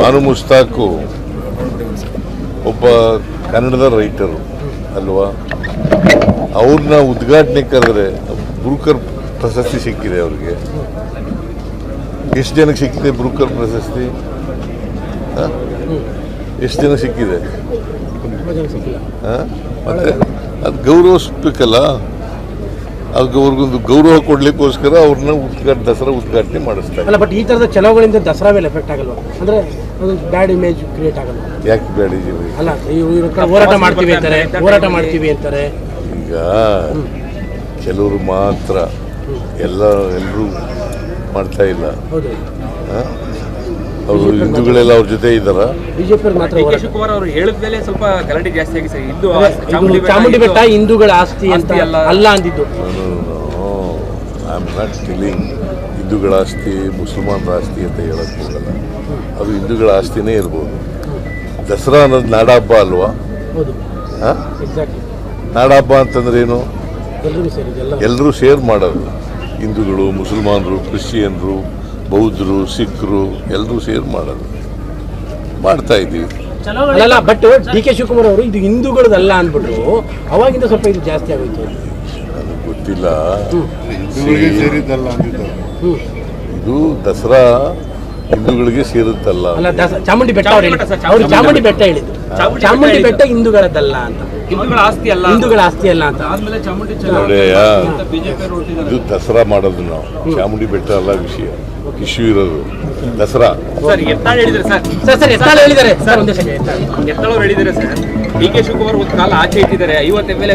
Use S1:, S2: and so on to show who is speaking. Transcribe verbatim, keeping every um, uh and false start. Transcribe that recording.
S1: ಬಾನು ಮುಸ್ತಾಕು ಒಬ್ಬ ಕನ್ನಡದ ರೈಟರು ಅಲ್ವಾ, ಅವ್ರನ್ನ ಉದ್ಘಾಟನೆ ಕರೆದ್ರೆ ಬ್ರೂಕರ್ ಪ್ರಶಸ್ತಿ ಸಿಕ್ಕಿದೆ ಅವ್ರಿಗೆ. ಎಷ್ಟು ಜನಕ್ಕೆ ಸಿಕ್ಕಿದೆ ಬ್ರೂಕರ್ ಪ್ರಶಸ್ತಿ? ಎಷ್ಟು ಜನ ಸಿಕ್ಕಿದೆ? ಮತ್ತೆ ಅದು ಗೌರವಿಸ್ಬೇಕಲ್ಲ, ಅವ್ರಿಗೊಂದು ಗೌರವ ಕೊಡ್ಲಿಕ್ಕೋಸ್ಕರ ಅವ್ರನ್ನ ಉದ್ಘಾಟನೆ ದಸರಾ ಉದ್ಘಾಟನೆ ಮಾಡಿಸ್ತಾರೆ.
S2: ಅಲ್ಲ, ಬಟ್ ಈ ತರದ ಚಲೋಗಳಿಂದ ದಸರಾ ಮೇಲೆ ಎಫೆಕ್ಟ್ ಆಗಲ್ವಾ? ಅಂದ್ರೆ ಬ್ಯಾಡ್ ಇಮೇಜ್ ಕ್ರಿಯೇಟ್ ಆಗಲ್ಲ?
S1: ಯಾಕೆ ಬ್ಯಾಡ್ ಇಮೇಜ್?
S2: ಅಲ್ಲ, ಹೋರಾಟ ಮಾಡ್ತೀವಿ ಅಂತಾರೆ, ಹೋರಾಟ ಮಾಡ್ತೀವಿ ಅಂತಾರೆ.
S1: ಈಗ ಕೆಲವರು ಮಾತ್ರ, ಎಲ್ಲ ಎಲ್ಲರೂ ಮಾಡ್ತಾ ಇಲ್ಲ. ಅವರು ಹಿಂದೂಗಳೆಲ್ಲ ಅವ್ರ ಜೊತೆ ಇದ್ದಾರ.
S2: ಬಿಜೆಪಿ ಮಾತ್ರ
S3: ಶಿವಕುಮಾರ್ ಅವರು ಹೇಳಿದ ಮೇಲೆ ಸ್ವಲ್ಪ ಗಲಾಟೆ ಜಾಸ್ತಿ ಆಗಿ ಸರ್. ಹಿಂದೂ
S2: ಚಾಮುಂಡಿ ಬೆಟ್ಟ ಹಿಂದೂಗಳ ಆಸ್ತಿ ಅಂತ ಅಲ್ಲ ಅಂದಿದ್ದು.
S1: ಐ ಆಮ್ ನಾಟ್ ಟೆಲಿಂಗ್ ಹಿಂದೂಗಳ ಆಸ್ತಿ ಮುಸಲ್ಮಾನರ ಆಸ್ತಿ ಅಂತ ಹೇಳಕ್ ಹೋಗಲ್ಲ. ಅದು ಹಿಂದೂಗಳ ಆಸ್ತಿನೇ ಇರ್ಬೋದು. ದಸರಾ ಅನ್ನೋದು ನಾಡಹಬ್ಬ ಅಲ್ವಾ? ನಾಡಹಬ್ಬ ಅಂತಂದ್ರೆ ಏನು? ಎಲ್ಲರೂ ಶೇರ್ ಮಾಡೋದು. ಹಿಂದೂಗಳು, ಮುಸಲ್ಮಾನರು, ಕ್ರಿಶ್ಚಿಯನ್ರು, ಬೌದ್ಧರು, ಸಿಖ್ರು ಎಲ್ಲರೂ ಸೇರ್ ಮಾಡೋದು ಮಾಡ್ತಾ ಇದ್ದೀವಿ.
S2: ಅಲ್ಲ, ಬಟ್ ಡಿ ಕೆ ಶಿವಕುಮಾರ್ ಅವರು ಇದು ಹಿಂದೂಗಳದಲ್ಲ ಅಂದ್ಬಿಟ್ರು, ಅವಾಗಿಂದ ಸ್ವಲ್ಪ ಇದು ಜಾಸ್ತಿ ಆಗೋಯ್ತು.
S1: ನನಗೆ ಗೊತ್ತಿಲ್ಲ. ಇದು ದಸರಾ ಹಿಂದೂಗಳಿಗೆ ಸೇರುತ್ತಲ್ಲ.
S2: ಅಲ್ಲ, ಚಾಮುಂಡಿ ಬೆಟ್ಟ ಅವರು ಚಾಮುಂಡಿ ಬೆಟ್ಟ ಹೇಳಿದ್ರು, ಚಾಮುಂಡಿ ಬೆಟ್ಟ ಹಿಂದೂಗಳದಲ್ಲ ಅಂತ,
S3: ಹಿಂದೂಗಳ ಆಸ್ತಿ ಅಲ್ಲ,
S2: ಹಿಂದೂಗಳ ಆಸ್ತಿ ಅಲ್ಲ ಅಂತ.
S3: ಆದ್ಮೇಲೆ ಚಾಮುಂಡಿ
S1: ಇದು ದಸರಾ ಮಾಡೋದು ನಾವು, ಚಾಮುಂಡಿ ಬೆಟ್ಟ ಅಲ್ಲ ವಿಷಯ, ಇಶ್ಯೂ ಇರೋದು ದಸರಾ.
S3: ಸರ್ ಎತ್ತಾಳ್ ಹೇಳಿದ್ದಾರೆ ಸರ್.
S2: ಸರ್ ಸರ್ ಎತ್ತಾಳ್ ಹೇಳಿದ್ದಾರೆ ಸರ್, ಒಂದೇ ಸೆಕೆಂಡ್.
S3: ಎತ್ತಾಳವ್ರು ಹೇಳಿದ್ದಾರೆ ಸರ್, ಡಿ ಕೆ ಶಿವಕುಮಾರ್ ಒಂದು ಕಾಲ ಆಚೆ ಇಟ್ಟಿದ್ದಾರೆ, ಐವತ್ತು ಎಮ್ ಎಲ್ ಎ